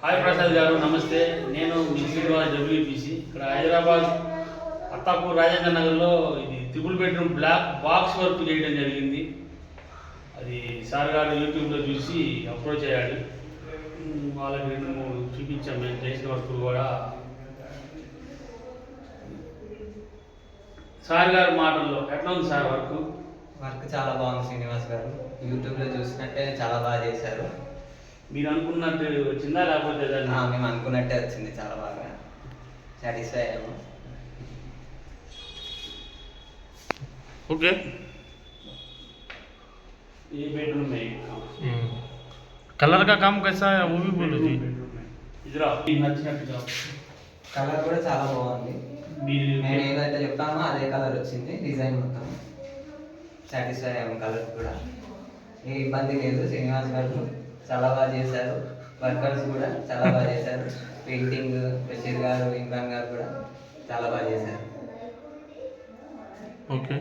Hi Prasad గారు, నమస్తే. నేను మీ శ్రీనివాస్ డబ్ల్యూపీసీ. ఇక్కడ హైదరాబాద్ అత్తాపూర్ రాజేంద్ర నగర్లో ఇది triple bedroom black box work చేయడం జరిగింది. అది సార్ గారు యూట్యూబ్లో చూసి అప్రోచ్ అయ్యాడు. వాళ్ళకి 2-3 చూపించాం మేము చేసిన వర్కులు కూడా. సార్ గారి మాటల్లో ఎట్లా ఉంది సార్ వర్క్? వర్క్ చాలా బాగుంది శ్రీనివాస్ గారు. యూట్యూబ్లో చూసినట్టే చాలా బాగా చేశారు. మీరు అనుకున్నట్టు వచ్చిందా లేకపోతే? మేము అనుకున్నట్టే వచ్చింది, చాలా బాగా సాటిస్ఫై అయ్యాము. ओके, ये बेडरूम में कलर का काम कैसा है वो भी बोलो जी। ఇదిరా నచ్చినట్టుగా కలర్ కూడా చాలా బాగుంది. నేను ఏదైతే చెప్తానో అదే కలర్ వచ్చింది. డిజైన్ మొత్తం సాటిస్ఫై అయ్యాము. కలర్ కూడా ఏ ఇబ్బంది లేదు. శ్రీనివాస్ గారు చాలా బాగా చేశారు. వర్కర్స్ కూడా చాలా బాగా చేశారు. పెయింటింగ్ బషీర్ గారు, ఇమ్రాన్ గారు కూడా చాలా బాగా చేశారు. Okay,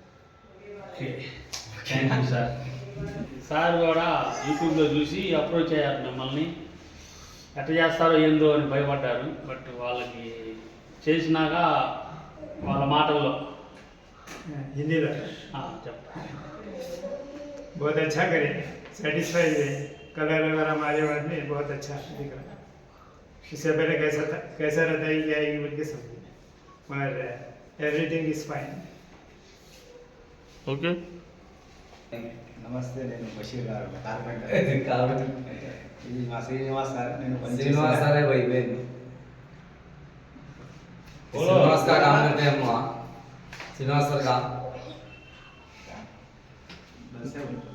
thank you sir. Sir కూడా యూట్యూబ్లో చూసి అప్రోచ్ అయ్యారు మిమ్మల్ని. ఎట్లా చేస్తారో ఏందో అని భయపడ్డారు. బట్ వాళ్ళకి చేసినాక వాళ్ళ మాటల్లో हिंदी में చెప్తాను. बहुत अच्छा करे, सेटिस्फाई है. कलर वगैरह हमारे बाद में बहुत अच्छा दिख रहा है. इससे पहले कैसा रहता है ये आएगी बोल के समझे, मगर एवरीथिंग इज फाइन. ఓకే. నమస్తే, నేను బషీర్ గారు కార్పెంటర్. ఇది మా శ్రీనివాస్ సార్. నేను श्रीनिवास सर है वही बेन. बोलो। श्रीनिवास का काम करते हैं हम वहाँ. श्रीनिवास सर का बस है.